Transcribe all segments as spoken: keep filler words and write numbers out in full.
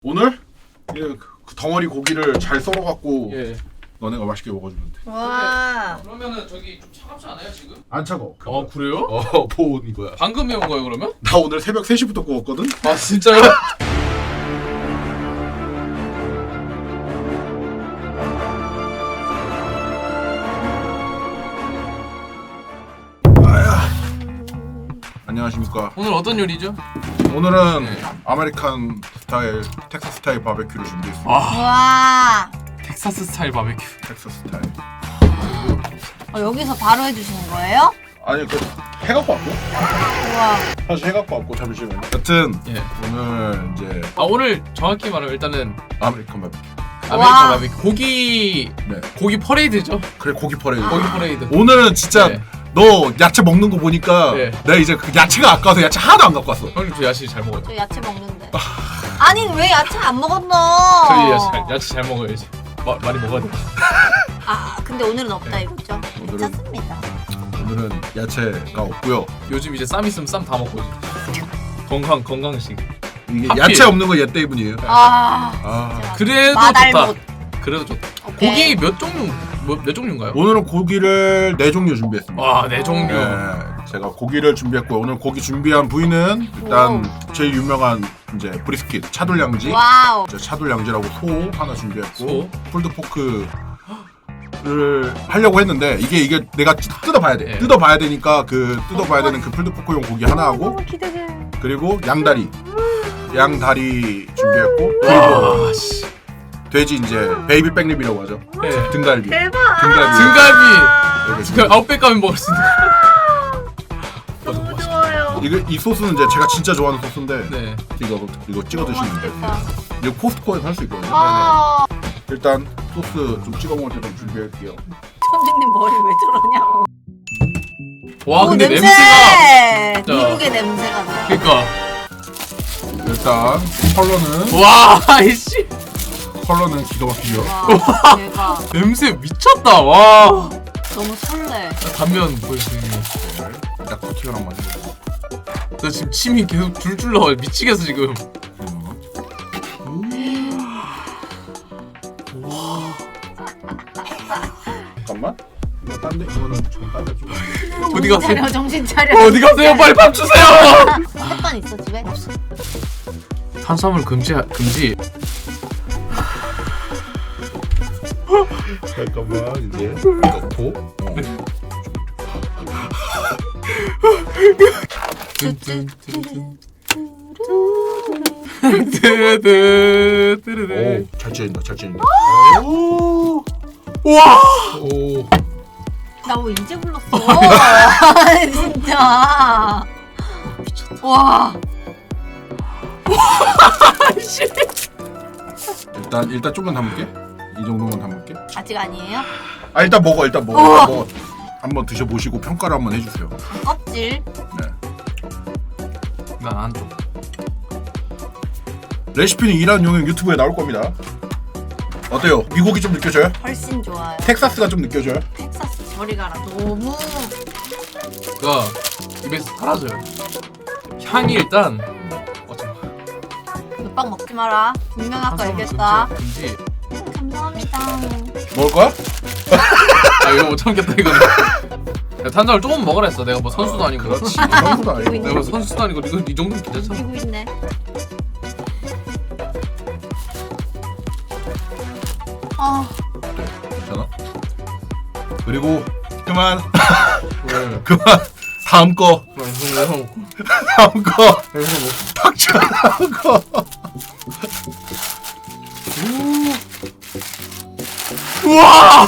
오늘 예, 그 덩어리 고기를 잘 썰어갖고 예. 너네가 맛있게 먹어주면 돼. 와. 그러면은 저기 좀 차갑지 않아요 지금? 안 차가워. 어 그래요? 어, 보온 이거야. 방금 매운 거예요 그러면? 나 오늘 새벽 세 시부터 구웠거든? 아 진짜요? 안녕하십니까. 오늘 어떤 요리죠? 오늘은 네. 아메리칸 스타일, 텍사스 스타일 바베큐를 준비했습니다. 아 와. 텍사스 스타일 바베큐. 텍사스 스타일. 어, 여기서 바로 해주시는 거예요? 아니, 그 해갖고 왔고? 우와. 사실 해갖고 왔고, 잠시만요. 여튼, 예. 오늘 이제 아 오늘 정확히 말하면 일단은 아메리칸 바베큐. 아메리칸 와. 바베큐 고기 네. 고기 퍼레이드죠? 그래, 고기 퍼레이드. 고기 퍼레이드. 오늘은 진짜 네. 너 야채 먹는 거 보니까 네. 내가 이제 그 야채가 아까워서 야채 하나도 안 갖고 왔어. 형님 저 야채 잘 먹어요. 저 야채 먹는데. 아니 왜 야채 안 먹었노? 저희 야채 잘, 야채 잘 먹어야지. 마, 많이 먹어야 돼. 아 근데 오늘은 없다 네. 이거죠? 오늘은- 괜찮습니다. 오늘은 야채가 없고요. 요즘 이제 쌈 있으면 쌈 다 먹고 이제. 건강 건강식. 이게 하필. 야채 없는 거 얘 때문이에요. 아. 아, 진짜 그래도 맛알못. 좋다. 그래도 좋다. 오케이. 고기 몇 종류 뭐, 몇 종류인가요? 오늘은 고기를 네 종류 준비했습니다. 와, 네 종류. 네, 제가 고기를 준비했고 오늘 고기 준비한 부위는 일단 제일 유명한 이제 브리스킷 차돌량지. 와우. 이제 차돌량지라고 소 하나 준비했고 소. 풀드 포크를 하려고 했는데 이게 이게 내가 뜯어봐야 돼. 네. 뜯어봐야 되니까 그 뜯어봐야 되는 그 풀드 포크용 고기 하나 하고 너무 기대돼. 그리고 양다리 양다리 준비했고 그리고 와, 씨. 돼지 이제 베이비 백립이라고 하죠. 네. 등갈비. 대박. 등갈비. 등갈비. 여기 그 아웃백 가면 먹을 수 있는 거. 너무 좋아요. 이거 이 소스는 이제 제가 진짜 좋아하는 소스인데 네. 이거 이거 찍어 드시면 돼요. 맛있겠다. 이거 코스트코에서 할 수 있거든요. 아. 일단 소스 좀 찍어 먹을 때 좀 준비할게요. 천진님 머리 왜 저러냐고. 와, 오, 근데 냄새! 냄새가 진짜. 미국의 냄새가 나. 그러니까. 일단 컬러는 와, 아이씨. 컬러는 기가 막히죠. 와 대박. 냄새 미쳤다. 와. 너무 설레. 단면 보여주니. 딱 코팅을 한번 해볼게요. 나 지금 침이 계속 줄줄 나와. 미치겠어 지금. 잠깐만. 이거 딴데 이거는 좀 딴데 좀. 어디 정신 갔어요? 차려 정신 차려. 어디 가세요? 빨리 밥 주세요. 햇반 있어 집에? 없어. 탄수화물 금지 금지. 잠깐만 이제 넣고. 어. 뜨르르 뜨르르. 오, 잘 찌는다, 잘 찌는다. 오. 와. 오, 나 왜 이제 불렀어? 아니, 진짜. 와. 일단 일단 좀만 담을게. 이 정도만 담을게. 아직 아니에요? 아 일단 먹어, 일단 먹어, 우와. 일단 먹어. 한번 드셔보시고 평가를 한번 해주세요. 껍질. 네. 난 안쪽. 레시피는 이란 용역 유튜브에 나올 겁니다. 어때요? 미국이 좀 느껴져요? 훨씬 좋아요. 텍사스가 좀 느껴져요? 텍사스 저리 가라. 너무. 가 입에서 사라져요. 향이 일단. 어 잠깐. 몇빵 먹지 마라. 분명 아까 얘기했다. 금지. 감사합니다. 먹을 거야? 아 이거 못 참겠다 이거는. 야, 탄수화물 조금 먹으라 했어. 내가 뭐 선수도 아니고. 그렇지. 선수도 아니고. 내가 뭐 선수도 아니고 이거 이 정도면 괜찮아. 이기고 있네. 아, 괜찮아? 그리고 그만. 왜? 그만. 다음 거. 형 다음 거. 뭐. 닥쳐. 다음 거. 우와!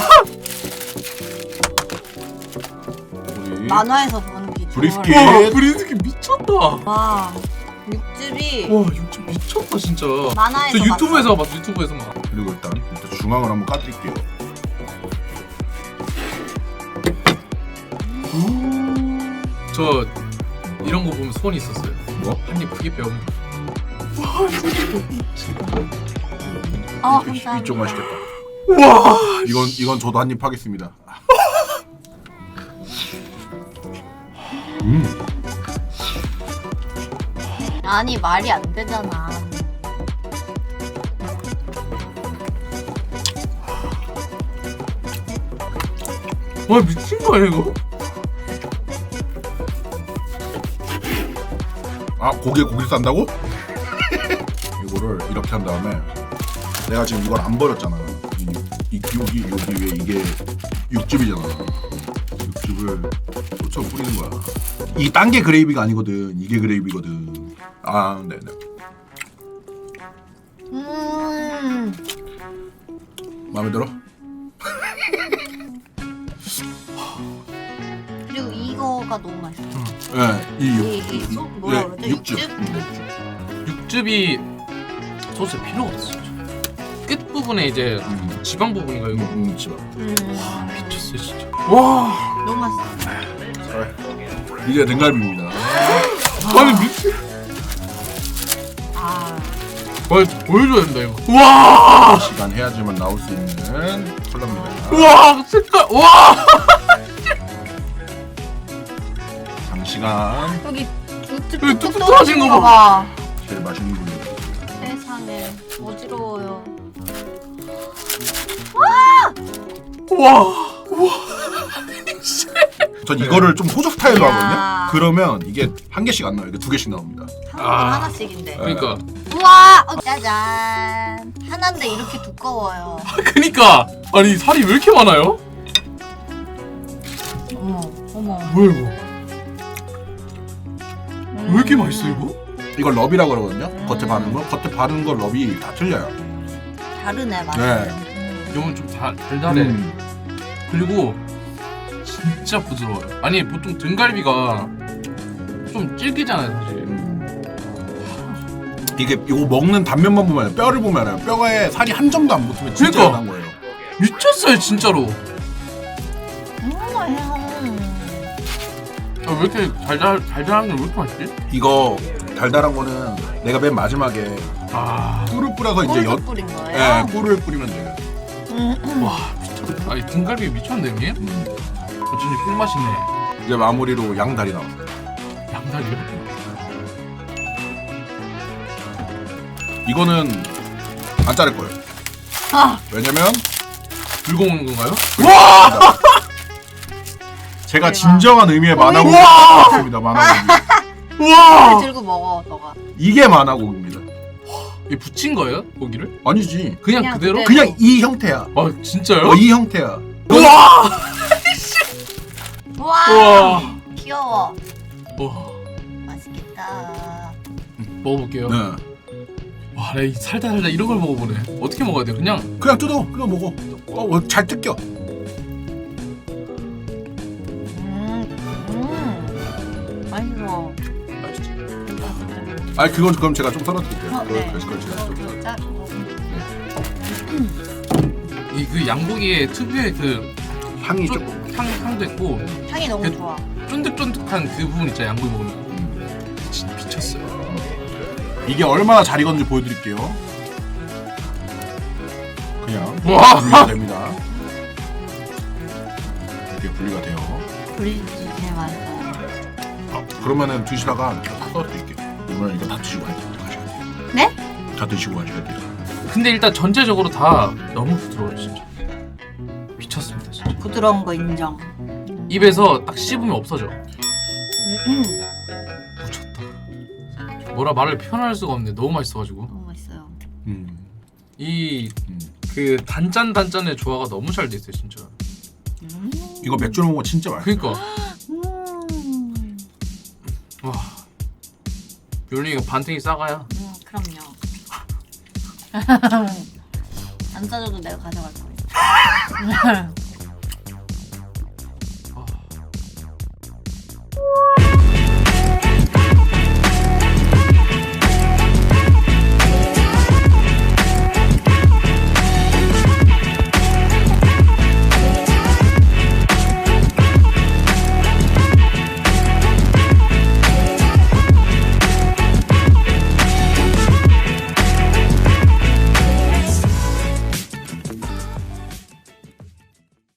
우리 만화에서 보는 비주얼. 브리스킷. 와 브리스키 미쳤다. 와 와, 육즙이 육즙 미쳤다 진짜. 만화에서 저 유튜브에서 봤어 유튜브에서 막. 그리고 일단 일단 중앙을 한번 까드릴게요. 저 이런 거 보면 소원이 있었어요. 뭐? 한입 크게 빼면. 아, 이- 감사합니다. 이쪽 맛있겠다. 와. 이건 이건 저도 한입 하겠습니다. 음. 아니 말이 안 되잖아. 와 미친 거 아니야 이거? 아 고기에 고기를 싼다고? 이거를 이렇게 한 다음에 내가 지금 이걸 안 버렸잖아. 이, 이 여기 여기 위에 이게 육즙이잖아. 육즙을 쫓아 뿌리는 거야. 이 딴 게 그레이비가 아니거든. 이게 그레이비거든. 아 네네. 음. 마음에 들어? 그리고 이거가 너무 맛있어. 네, 이 육. 이, 이 소, 뭐라 네, 그러죠? 육즙. 육즙? 음. 육즙이 소스에 필요가 없어. 끝 부분에 이제 음. 지방 부분인가 이거. 음, 집어. 음. 미쳤어 진짜. 와. 너무 맛있어. 이게 등갈비입니다. 아니 미친. 아. 와 보여줘야 된다 이거. 와. 시간 해야지만 나올 수 있는 컬러입니다. 와 색깔. 와. 장시간 여기 육즙 여기 뚝뚝 뚝뚝 떨어진 떨어진 거 거 봐. 제일 맛있는 분입니다. 세상에 어지러워요. 와. 전 이거를 좀 호적 스타일로 야. 하거든요. 그러면 이게 한 개씩 안 나와요. 이게 두 개씩 나옵니다. 한 아. 번 하나씩인데. 그러니까. 우와! 어, 짜잔. 하나인데 이렇게 두꺼워요. 그니까 아니 살이 왜 이렇게 많아요? 어머, 어머. 뭐야 이거? 음. 왜 이렇게 맛있어 이거? 이걸 럽이라고 그러거든요. 겉에 바른 거. 겉에 바른 거 럽이 다 틀려요. 다르네, 맛이. 네. 이건 좀 다, 달달해. 음. 그리고 진짜 부드러워요. 아니 보통 등갈비가 좀 질기잖아요 사실. 음. 이게 이거 먹는 단면만 보면 알아요. 뼈를 보면 알아요. 뼈에 살이 한 점도 안 붙으면 진짜 그러니까. 연한 거예요. 미쳤어요 진짜로. 음, 맛있어. 아, 왜 이렇게 달달 달달한 게 왜 이렇게 맛있지? 이거 달달한 거는 내가 맨 마지막에 아, 꿀을 뿌려서 이제 꿀 연, 뿌린 예, 거예요? 꿀을 뿌리면 돼요. 음. 와 미쳤다. 아니 등갈비 미쳤네 형님. 음. 어쩐지 꿀맛이네. 이제 마무리로 양다리 나왔어요. 양다리요? 이거는 안 자를 거예요. 아, 왜냐면 들고 오는 건가요? 제가 대박. 진정한 의미의 만화고기 우와! 같습니다. 만화고기. 우와! 들고 먹어, 너가. 이게 만화고기입니다. 이 부친 거예요 고기를? 아니지. 그냥, 그냥 그대로? 그대로. 그냥 이 형태야. 아 진짜요? 어, 이 형태야. 우와! 우와! 우와! 귀여워. 와 맛있겠다. 먹어볼게요. 네. 와, 나 이 살다 살다 이런 걸 먹어보네. 어떻게 먹어야 돼? 그냥 그냥 뜯어. 그냥 먹어. 어, 어, 잘 뜯겨. 음, 음. 맛있어. 맛있지. 아, 그건 그럼 제가 좀 썰어드릴게요. 어, 그걸, 네. 그걸 제가 좀 썰어. 짜, 이 그 양고기의 특유의 그 향이 쫀- 조금. 향 향도 있고 향이 너무 그- 좋아. 쫀득쫀득한 그 부분 있잖아 양고기 먹으면. 음. 진짜 미쳤어요. 이게 얼마나 잘 익었는지 보여드릴게요. 그냥 와! 분리가 됩니다. 이렇게 분리가 돼요. 브리지 제일 맛있어요. 아, 그러면은 드시다가 제가 썰어드릴게요. 오늘 이거 다 드시고 가셔야 돼요. 네? 다 드시고 가셔야 돼요. 근데 일단 전체적으로 다 너무 부드러워요 진짜. 미쳤습니다 진짜. 부드러운 거 인정. 입에서 딱 씹으면 없어져. 음, 미쳤다. 뭐라 말을 표현할 수가 없네. 너무 맛있어가지고 너무 맛있어요. 음. 이 음. 그 단짠 단짠의 조화가 너무 잘 돼 있어요 진짜. 음. 이거 맥주로 먹으면 진짜 맛있어요. 그러니까 음. 와 요리 이거 반탱이 싸가야. 음, 그럼요. 안 싸줘도 내가 가져갈 거예요.